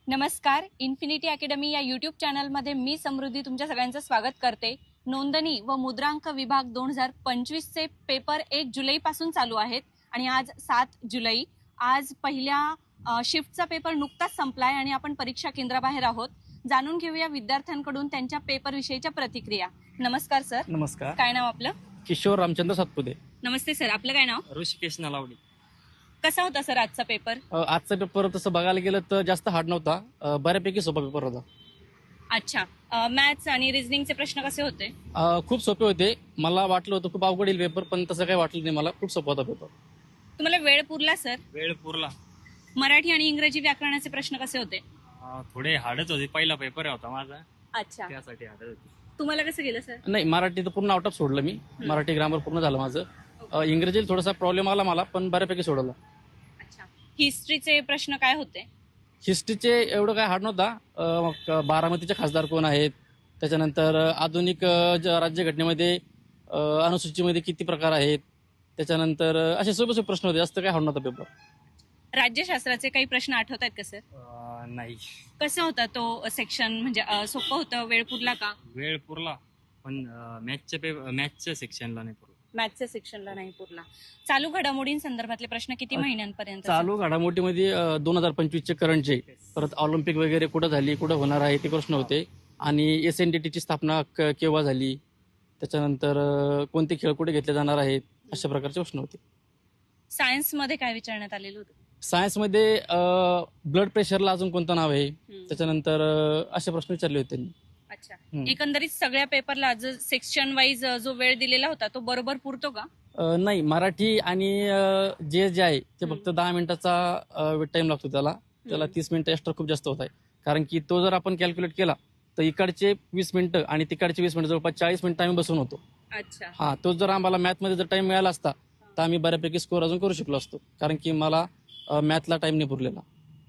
नमस्कार. Infinity academy या YouTube चॅनलमध्ये मी समृद्धी तुमच्या सगळ्यांचं स्वागत करते. नोंदणी व मुद्रांक विभाग 2025 चे पेपर 1 जुलैपासून चालू आहेत आणि आज 7 जुलै. आज पहिल्या शिफ्टचा पेपर नुकताच संपलाय आणि आपण परीक्षा केंद्राबाहेर आहोत. जाणून घेऊया विद्यार्थ्यांकडून त्यांच्या पेपर विषयीच्या प्रतिक्रिया. नमस्कार सर. नमस्कार. काय नाव आपलं? किशोर रामचंद्र सातपुते. नमस्ते सर. आपलं काय नाव? ऋषिकेश नलावडी. कसा होता सर आजचा पेपर? आजचा पेपर तसं बघायला गेलं तर जास्त हार्ड नव्हता, बऱ्यापैकी सोपा पेपर होता. अच्छा. मॅथ्स आणि रिझनिंगचे प्रश्न कसे होते? खूप सोपे होते. मला वाटलं होतं खूप अवघड येईल पेपर, पण तसं काही वाटलं नाही मला. खूप सोपा होता पेपर. तुम्हाला वेळ पुरला सर? वेळ पुरला. मराठी आणि इंग्रजी व्याकरणाचे प्रश्न कसे होते? थोडे हार्डच होते. पहिला पेपर होता माझा, अच्छा. त्यासाठी हार्ड होती. तुम्हाला कसं गेलं सर? नाही, मराठी तर पूर्ण आउट ऑफ सोडलं मी. मराठी ग्रामर पूर्ण झालं माझं. इंग्रजीला थोडासा प्रॉब्लेम आला मला, पण बऱ्यापैकी सोडवलं. अच्छा. हिस्ट्रीचे प्रश्न काय होते? हिस्ट्रीचे एवढं काय हार्ड नव्हता. बारामतीचे खासदार कोण आहेत, त्याच्यानंतर आधुनिक राज्यघटनेमध्ये अनुसूचीमध्ये किती प्रकार आहेत, त्याच्यानंतर असे सोपे सोपे प्रश्न होते. जास्त काय हार्ड नव्हता पेपर. राज्यशास्त्राचे काही प्रश्न आठवत आहेत का सर? नाही. कसं होता तो सेक्शन? म्हणजे सोपं होतं? वेळ पुरला का? वेळ पुरला, पण मॅथच्या सेक्शनला नाही पुरला. मॅथ्सच्या सेक्शनला नाही पुरला. चालू घडामोडींसंदर्भातले प्रश्न किती महिन्यांपर्यंत? चालू घडामोडीमध्ये 2025चे करंटचे, परत ऑलिम्पिक वगैरे कुठं झाली, कुठं होणार आहे ते प्रश्न होते. आणि SNDTची स्थापना केव्हा झाली, त्याच्यानंतर कोणते खेळ कुठे घेतले जाणार आहेत, अशा प्रकारचे प्रश्न होते. सायन्समध्ये काय विचारण्यात आलेलं होतं? सायन्समध्ये ब्लड प्रेशरला अजून कोणतं नाव आहे, त्याच्यानंतर असे प्रश्न विचारले होते त्यांनी. अच्छा. एकंदरीत सगळ्या पेपरला सेक्शन वाईज जो वेळ दिलेला होता तो बरोबर पुरतो का? नाही, मराठी आणि जे आहे ते फक्त 10 मिनिटाचा टाइम लागतो त्याला 30 मिनिटं एक्स्ट्रा खूप जास्त होत आहे. कारण की तो जर आपण कॅल्क्युलेट केला तर इकडचे 20 मिनिटं आणि तिकडचे 20 मिनिटं, जवळपास 40 मिनिटं आम्ही बसून होतो. अच्छा. तो जर आम्हाला मॅथमध्ये जर टाइम मिळाला असता तर आम्ही बऱ्यापैकी स्कोर अजून करू शकलो असतो, कारण की मला मॅथला टाइम नाही पुरलेला.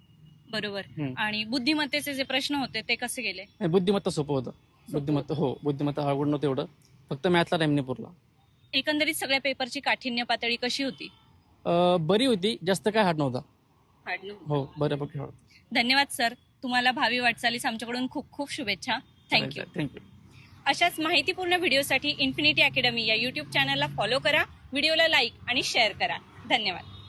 बरोबर. आणि बुद्धिमत्तेचे जे प्रश्न होते ते कसे गेले? बुद्धिमत्ता सोपं होतं. बुद्धिमत्ता अवघड नव्हतं एवढं, फक्त मॅथला टाइम नाही पुरला. एकंदरीत सगळ्या पेपरची काठिण्य पातळी कशी होती? बरी होती, जास्त काय हार्ड नव्हता. हार्ड नव्हती. हो, बऱ्यापैकी हार्ड. धन्यवाद सर. तुम्हाला भावी वाटचालीस आमच्याकडून खूप खूप शुभेच्छा. थँक्यू. अशाच माहितीपूर्ण व्हिडिओसाठी इन्फिनिटी अकॅडमी या यूट्यूब चॅनलला फॉलो करा, व्हिडिओला लाईक आणि शेअर करा. धन्यवाद.